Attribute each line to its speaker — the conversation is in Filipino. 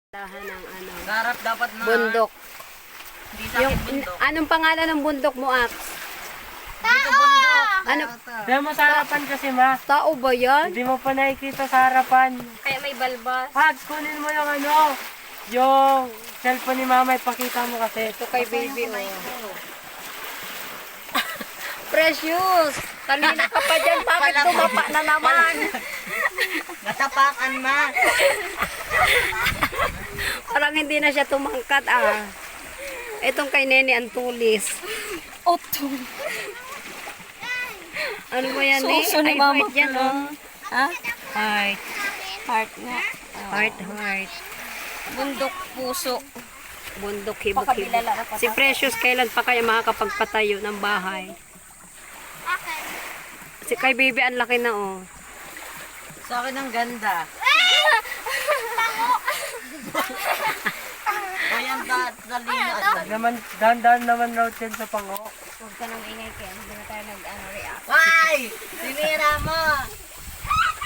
Speaker 1: Dahan ng ano,
Speaker 2: Sarap dapat na.
Speaker 1: bundok.
Speaker 2: Hindi sa akin bundok.
Speaker 1: Anong pangalan ng bundok mo, Ax?
Speaker 2: Dito bundok.
Speaker 1: Ano?
Speaker 3: Dahil mo sa harapan kasi ma.
Speaker 1: Tao ba yan?
Speaker 3: Hindi mo pa nakikita sa harapan.
Speaker 2: Kaya may balbas.
Speaker 3: Pag kunin mo yung ano, yung cellphone ni mama, ipakita mo kasi.
Speaker 1: Ito kay baby, oh. Precious! Kanina ka pa dyan, bakit tumapa na naman?
Speaker 2: Natapakan ma.
Speaker 1: Parang hindi na siya tumangkat, ah. Itong kay Nene Antulis.
Speaker 2: Oto.
Speaker 1: Ano ba yan, eh?
Speaker 2: Suso ni
Speaker 1: Ay,
Speaker 2: mama
Speaker 1: heart yan,
Speaker 2: ko
Speaker 1: oh.
Speaker 2: Ha?
Speaker 1: Heart.
Speaker 2: Heart nga.
Speaker 1: Heart, heart.
Speaker 2: Bundok puso.
Speaker 1: Bundok, hibok-hibok.
Speaker 2: Pakabilala na pa
Speaker 1: Si Precious, kailan pa kaya makakapagpatayo ng bahay? Si kay baby, ang laki na, oh.
Speaker 2: Sa akin ang ganda. O yan dalina.
Speaker 3: Naman, dahan-dahan naman raw dyan sa pango.
Speaker 2: Huwag ka nang ingay Ken. Hindi na tayo nag-react. Why? Sinira mo.